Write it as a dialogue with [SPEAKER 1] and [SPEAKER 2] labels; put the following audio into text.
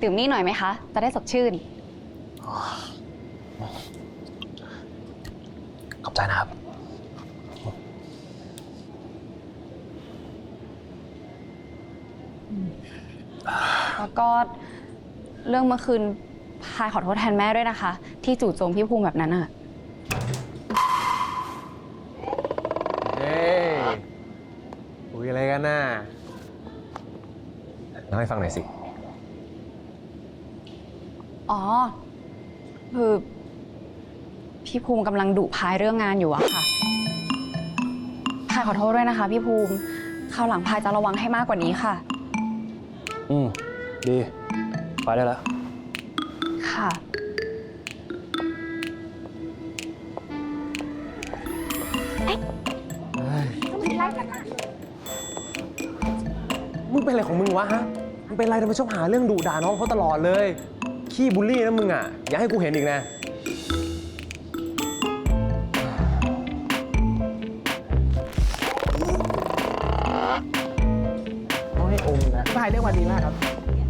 [SPEAKER 1] ดื่มนี่หน่อยไหมคะ จะได้สดชื่น
[SPEAKER 2] ขอบใจนะครับ
[SPEAKER 1] แล้วก็เรื่องเมื่อคืนพายขอโทษแทนแม่ด้วยนะคะ ที่จู่โจมพี่ภูมิแบบนั้นอะ
[SPEAKER 2] เฮ้ยคุยอะไรกันน่ะเล่าให้ฟังหน่อยสิ
[SPEAKER 1] อ๋อ คือพี่ภูมิกำลังดุพายเรื่องงานอยู่อะค่ะพายขอโทษด้วยนะคะพี่ภูมิคราวหลังพายจะระวังให้มากกว่านี้ค่ะ
[SPEAKER 2] ดี ไปได้แล้ว
[SPEAKER 1] ค่ะ
[SPEAKER 2] มึงเป็นอะไรของมึงวะฮะ มึงเป็นอะไรทำไมชอบหาเรื่องดุด่าน้องเขาตลอดเลย ขี้บูลลี่นะมึงอ่ะ อย่าให้กูเห็นอีกนะต้องให้อมนะ
[SPEAKER 3] พายเรื่องมาดีมากครับ